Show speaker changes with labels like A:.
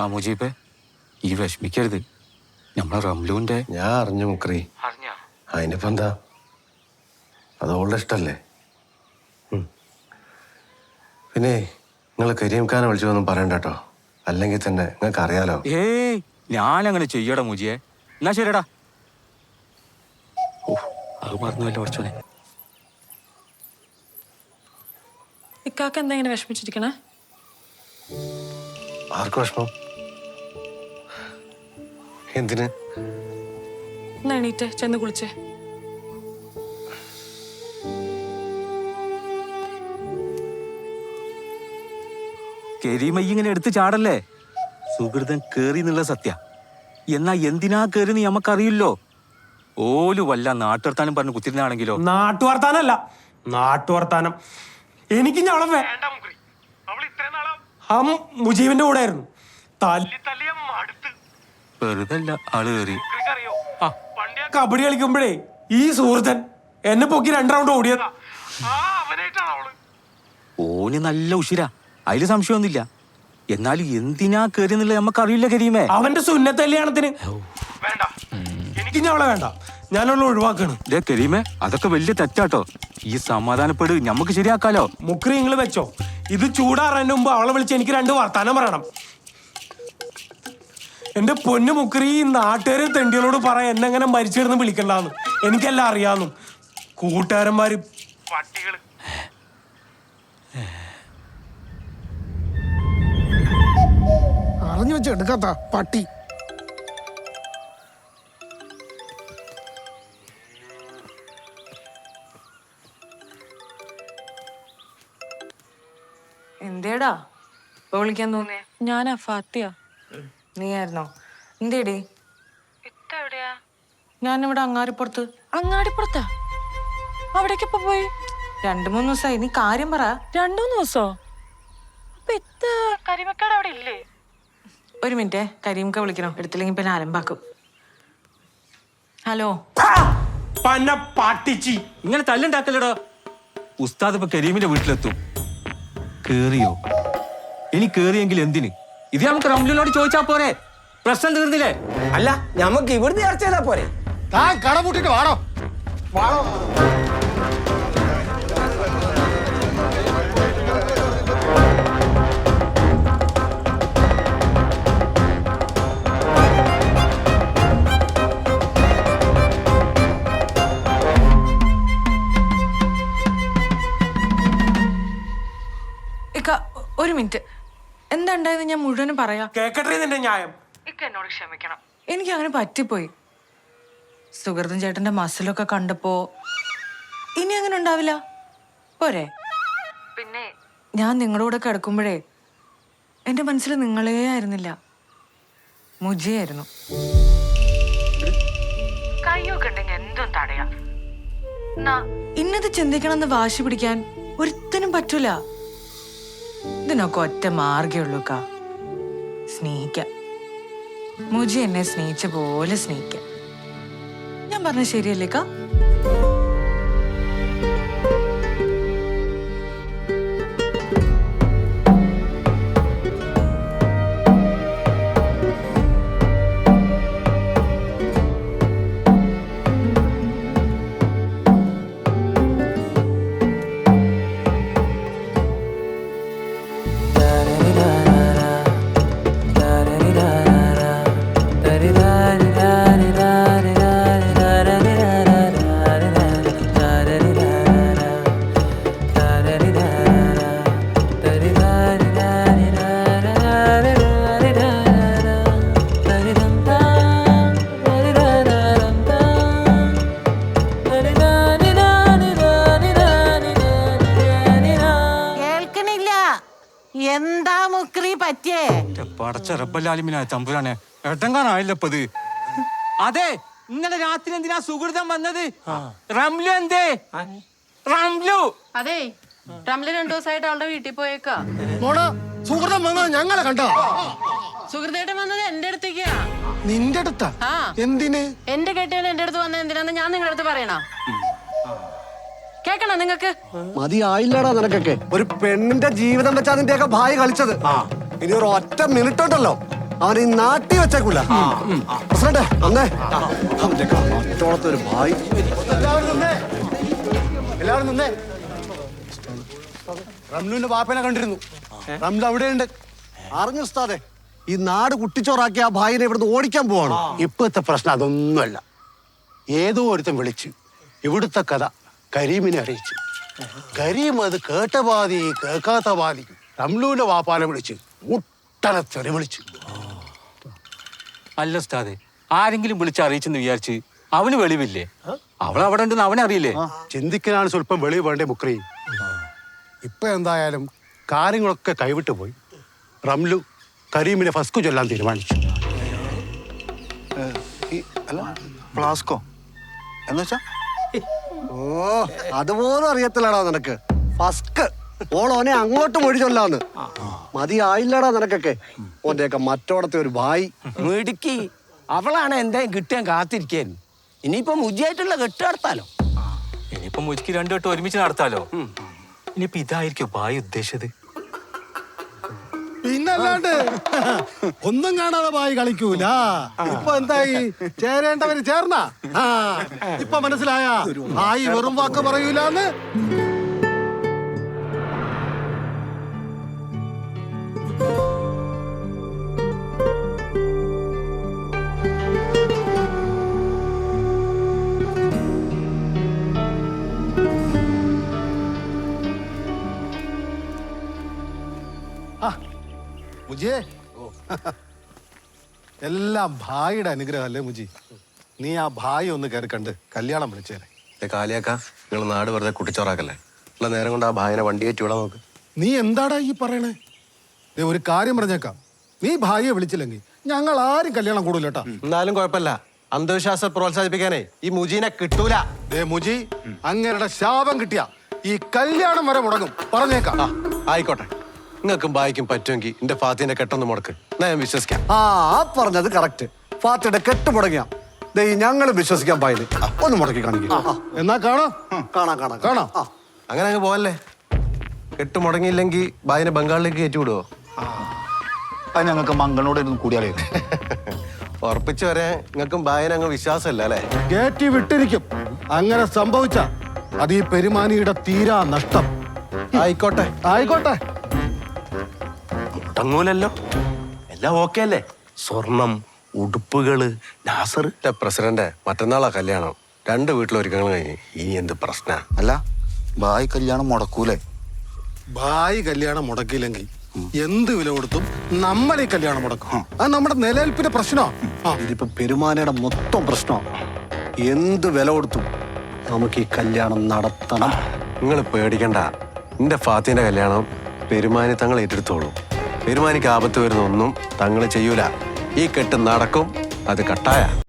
A: ആ മുജീബേ, ഈ വിഷമിക്കരുത്. നമ്മളെ റംലുവിന്റെ
B: ഞാൻ അറിഞ്ഞു മുക്രി. അതിനിപ്പോ എന്താ, അത് ഓളുടെ ഇഷ്ടല്ലേ. പിന്നെ നിങ്ങൾ കരീംഖാനെ വിളിച്ചൊന്നും പറയണ്ട കേട്ടോ, അല്ലെങ്കിൽ തന്നെ നിങ്ങൾക്ക് അറിയാലോ.
A: ഏയ് ഞാനങ്ങനെ ചെയ്യടാ മുജിയെ. എന്നാ ശരിടാ. അത് മറന്നുവല്ലോ കുറച്ചോനെ.
C: ഇക്കാക്ക എന്താ ഇങ്ങനെ വിഷമിച്ചിരിക്കണേ?
B: ആർക്ക് വിഷമം? എന്തിന്?
C: എന്നാ എണീറ്റേ, ചെന്ന് കുളിച്ചേ.
A: കരീമ ഇങ്ങനെ എടുത്ത് ചാടല്ലേ. സുഹൃതൻ കേറി എന്നുള്ള സത്യ. എന്നാ എന്തിനാ കേറിന്ന് നമുക്കറിയില്ലോ. ഓല് വല്ല നാട്ടുവർത്താനം പറഞ്ഞ് കുത്തിരുന്നാണെങ്കിലോ.
D: നാട്ടുവർത്താനല്ല, നാട്ടുവർത്താനം. എനിക്ക് ഞവളെ മുജീബിന്റെ കൂടെ ആയിരുന്നു.
A: വെറുതെ അല്ല ആള് കയറി.
D: കബഡി കളിക്കുമ്പോഴേ ഈ സുഹൃത്തൻ എന്നെ പൊക്കി 2 റൗണ്ട് ഓടിയതാ.
A: ഓന് നല്ല ഉഷിരാ, അതില് സംശയമൊന്നുമില്ല. എന്നാലും എന്തിനാ കേറി എന്നുള്ളത് നമുക്കറിയില്ല കരീമേ.
D: അവന്റെ സുന്നത്ത് കല്യാണത്തിന് എനിക്ക് ഞവളെ വേണ്ട, ഞാനുള്ള ഒഴിവാക്കാണ്.
A: കരീമേ, അതൊക്കെ വലിയ തെറ്റാട്ടോ. ഈ സമാധാനപ്പെട്, നമുക്ക് ശരിയാക്കാലോ.
D: മുക്രി നിങ്ങൾ വെച്ചോ, ഇത് ചൂടാറാൻ്റെ മുമ്പ് അവളെ വിളിച്ച് എനിക്ക് 2 വർത്താനം പറയണം. എന്റെ പൊന്നു മുക്രി, ഈ നാട്ടുകാരെ തെണ്ടികളോട് പറയാൻ എന്നെങ്ങനെ മരിച്ചിരുന്ന് വിളിക്കണ്ടെന്ന് എനിക്കെല്ലാം അറിയാന്നു. കൂട്ടുകാരന്മാര് പട്ടികള്.
E: അറിഞ്ഞു വെച്ച് എടുക്കാത്ത പട്ടി.
F: എന്തേടാ ഇപ്പൊ വിളിക്കാൻ തോന്നിയേ?
C: ഞാനാ ഫാത്തിയ.
F: നീയായിരുന്നോ? എന്തേടി?
C: എവിടെയാ?
F: ഞാനിവിടെ അങ്ങാടിപ്പുറത്ത്.
C: അങ്ങാടിപ്പുറത്താ? അവിടേക്ക് ഇപ്പൊ പോയി?
F: 2-3 ദിവസമായി. നീ കാര്യം പറ.
C: 2-3 ദിവസോ? അപ്പൊ കരിമക്കാട് അവിടെ ഇല്ലേ?
F: ഒരു മിനിറ്റ്, കരീംക്ക വിളിക്കണം. എടുത്തില്ലെങ്കിൽ പിന്നെ അലമ്പാക്കും. ഹലോ.
A: ഇങ്ങനെ തല്ലുണ്ടാക്കല്ലടോ. ഉസ്താദ് ഇപ്പൊ കരീമിന്റെ വീട്ടിലെത്തും. കേറിയോ? ഇനി കേറിയെങ്കിൽ എന്തിന്? ഇത് നമുക്ക് റംലുവിനോട് ചോദിച്ചാ പോരെ, പ്രശ്നം തീർന്നില്ലേ?
G: അല്ല, നമുക്ക് ഇവിടുന്ന് ചർച്ച ചെയ്താ പോരെ?
E: താൻ കടമുട്ടിട്ട് വാടോ വാടോ.
F: ഒരു മിനിറ്റ്, എന്താ ഉണ്ടായത് ഞാൻ മുഴുവനും പറയാം.
D: കേക്കട്ടെ നിന്റെ ന്യായം.
F: എന്നോട് ക്ഷമിക്കണം, എനിക്ക് അങ്ങനെ പറ്റിപ്പോയി. സുഹൃത്തും ചേട്ടന്റെ മസിലൊക്കെ കണ്ടപ്പോ ഇനി അങ്ങനെ ഉണ്ടാവില്ല പോരെ? പിന്നെ ഞാൻ നിങ്ങളുടെ കൂടെ കിടക്കുമ്പോഴേ എന്റെ മനസ്സിൽ നിങ്ങളേ ആയിരുന്നില്ല, മുജിയായിരുന്നു. കയ്യൊക്കെ ഉണ്ടെങ്കിൽ എന്തും തടയാ. ഇന്നത് ചിന്തിക്കണമെന്ന് വാശി പിടിക്കാൻ ഒരുത്തനും പറ്റൂല. ഇതിനൊക്കെ ഒറ്റ മാർഗമുള്ളൂക്കാ, സ്നേഹിക്കാം. മുജി എന്നെ സ്നേഹിച്ച പോലെ സ്നേഹിക്കാം. ഞാൻ പറഞ്ഞ ശരിയല്ലേക്കാ? എന്താ മുക്രി പറ്റിയേ?
A: പടച്ച റബ്ബല്ലാലിമിനായ തമ്പുരാനെ, എട്ടങ്കാനായില്ലപ്പത്. അതെ, ഇന്നലെ രാത്രി എന്തിനാ സുഹൃതം വന്നത്? റംലു എന്തേ? റംലു
H: അതെ, റംലു 2 ദിവസമായിട്ട് അവളുടെ വീട്ടിൽ പോയേക്കാ.
E: സുഹൃതം വന്നത് ഞങ്ങളെ കണ്ടോ?
H: സുഹൃത്തേട്ടൻ വന്നത് എന്റെ അടുത്തേക്കാ.
E: നിന്റെ അടുത്താ? എന്തിന്?
H: എന്റെ കെട്ടിയാണ് എന്റെ അടുത്ത് വന്നത് എന്തിനാന്ന് ഞാൻ നിങ്ങളുടെ അടുത്ത് പറയണോ? കേക്കണോ നിങ്ങക്ക്?
B: മതിയായില്ലടാ നിനക്കൊക്കെ. ഒരു പെണ്ണിന്റെ ജീവിതം വെച്ച് അതിന്റെയൊക്കെ ഭാര്യ കളിച്ചത്. ഇനി ഒരു ഒറ്റ മിനിറ്റ് ഉണ്ടല്ലോ, അവൻ ഈ നാട്ടി വെച്ചേക്കൂല പ്രസിഡന്റ് വന്നേ അവന്റെ മറ്റോളത്തെ ഒരു ഭായി
E: എല്ലാവരും നിന്നേ റംലുവിന്റെ വാപ്പനെ കണ്ടിരുന്നു റംലു അവിടെയുണ്ട്
B: അറിഞ്ഞു ഉസ്താദെ ഈ നാട് കുട്ടിച്ചോറാക്കി ആ ഭായിനെ ഇവിടുന്ന് ഓടിക്കാൻ പോവാണ്
E: ഇപ്പോഴത്തെ പ്രശ്നം അതൊന്നുമല്ല. ഏതോ ഒരുത്തൻ വിളിച്ചു ഇവിടുത്തെ കഥ കരീമിനെ അറിയിച്ചു. കരീം അത് കേട്ട പാതി കേൾക്കാത്ത പാതി റംലുവിന്റെ വാപ്പാനെ വിളിച്ച് മുട്ടനെ തെറി വിളിച്ചു.
A: അല്ല ഉസ്താദെ, ആരെങ്കിലും വിളിച്ച് അറിയിച്ചെന്ന് വിചാരിച്ച് അവന് വെളിവില്ലേ? അവൾ അവിടെ ഉണ്ടെന്ന് അവനറിയില്ലേ?
E: ചിന്തിക്കാനാണ് സ്വല്പം വെളിവ് വേണ്ടേ മുക്രി. ഇപ്പൊ എന്തായാലും കാര്യങ്ങളൊക്കെ കൈവിട്ടു പോയി. റംലു കരീമിനെ ഫസ്കു ചൊല്ലാൻ തീരുമാനിച്ചു.
B: ഫ്ലാസ്കോ എന്നുവെച്ചാ ഓ അതുപോലും അറിയത്തില്ലടാ നിനക്ക്. ഫസ്ക് ഓളോനെ അങ്ങോട്ട് മൊഴി ചൊല്ലാന്ന് മതിയായില്ലടാ നിനക്കൊക്കെ. ഓന്റെയൊക്കെ മറ്റോടത്തെ ഒരു ഭായി
G: മിടുക്കി അവളാണ് എന്തായാലും കിട്ടാൻ കാത്തിരിക്കാൻ. ഇനിയിപ്പോ മുജിയായിട്ടുള്ള കെട്ട് നടത്താലോ.
A: ഇനിയിപ്പം മുജിക്ക് രണ്ടു വട്ടം ഒരുമിച്ച് നടത്താലോ. ഇനിയിപ്പോ ഇതായിരിക്കും ഭായി ഉദ്ദേശിച്ചത്.
E: പിന്നല്ലാണ്ട് ഒന്നും കാണാതെ ഭായി കളിക്കൂല. ഇപ്പൊ എന്തായി ചേരേണ്ടവര് ചേർന്ന ഇപ്പൊ മനസ്സിലായ ഭായി വെറും വാക്ക് പറയൂലെന്ന്. മുജിയെ എല്ലാം ഭായിയുടെ അനുഗ്രഹം അല്ലേ മുജി? നീ ആ ഭായി ഒന്ന് കയറി കണ്ട് കല്യാണം വിളിച്ചേരെ.
B: കാലിയാക്ക നിങ്ങൾ നാട് വെറുതെ കുട്ടിച്ചോറാക്കല്ലേ. ഉള്ള നേരം കൊണ്ട് ആ ഭായിനെ വണ്ടി കയറ്റി വിടാൻ നോക്ക്.
E: നീ എന്താടാ ഈ പറയണേ? ദേ ഒരു കാര്യം പറഞ്ഞേക്കാം, നീ ഭായിയെ വിളിച്ചില്ലെങ്കിൽ ഞങ്ങൾ ആരും കല്യാണം കൂടൂല കേട്ടാ.
B: എന്നാലും കുഴപ്പമില്ല, അന്ധവിശ്വാസം പ്രോത്സാഹിപ്പിക്കാനേ ഈ മുജീനെ കിട്ടൂല.
E: ദേ മുജി, അങ്ങരുടെ ശാപം കിട്ടിയ ഈ കല്യാണം വരെ മുടങ്ങും പറഞ്ഞേക്കാം.
B: ആയിക്കോട്ടെ, നിങ്ങൾക്കും ഭായിക്കും പറ്റുമെങ്കിൽ എന്റെ ഫാത്തിന്റെ കെട്ടൊന്ന് മുടക്ക്, ഞാൻ വിശ്വസിക്കാം.
I: ആ പറഞ്ഞത് കറക്റ്റ്. ഫാത്തിയുടെ കെട്ട് മുടങ്ങിയ ഞങ്ങൾ വിശ്വസിക്കാൻ പായില് ഒന്ന് മുടക്കി കാണിക്കും.
E: എന്നാ കാണാം
I: കാണാം കാണാം
E: കാണാം.
B: അങ്ങനെ അങ്ങ് പോവല്ലേ. കെട്ട് മുടങ്ങിയില്ലെങ്കിൽ ഭായിനെ ബംഗാളിലേക്ക് കയറ്റി വിടുവോ?
I: അത് ഞങ്ങൾക്ക് മംഗളോട് കൂടിയാലേ
B: ഉറപ്പിച്ചു വരാൻ നിങ്ങൾക്കും ഭായിനെ അങ്ങ് വിശ്വാസമല്ല അല്ലേ?
E: കയറ്റി വിട്ടിരിക്കും. അങ്ങനെ സംഭവിച്ച അത് ഈ പെരുമാനിയുടെ തീരാ നഷ്ടം.
B: ആയിക്കോട്ടെ
E: ആയിക്കോട്ടെ.
B: മുടങ്ങൂലല്ലോ, എല്ലാം ഓക്കെ അല്ലേ? സ്വർണം, ഉടുപ്പുകള്, നാസർ. പ്രസിഡന്റ്, മറ്റന്നാളാ കല്യാണം. 2 വീട്ടിലൊരുക്കങ്ങൾ കഴിഞ്ഞ് ഇനി എന്ത് പ്രശ്ന?
I: അല്ല ഭായ് കല്യാണം മുടക്കൂലേ?
E: ഭായി കല്യാണം മുടക്കിയില്ലെങ്കിൽ എന്ത് വില കൊടുത്തും നമ്മൾ ഈ കല്യാണം മുടക്കും. അത് നമ്മുടെ നിലനിൽപ്പിന്റെ പ്രശ്നമാണ്.
I: ഇതിപ്പോ പെരുമാനയുടെ മൊത്തം പ്രശ്നമാണ്. എന്ത് വില കൊടുത്തും നമുക്ക് ഈ കല്യാണം നടത്തണം.
B: നിങ്ങൾ പേടിക്കണ്ട, എന്റെ ഫാത്തിന്റെ കല്യാണം പെരുമാനി തങ്ങൾ ഏറ്റെടുത്തോളൂ. പെരുമാനിക്ക് ആപത്ത് വരുന്ന ഒന്നും തങ്ങൾ ചെയ്യൂല. ഈ കെട്ട് നടക്കും, അത് കട്ടായ.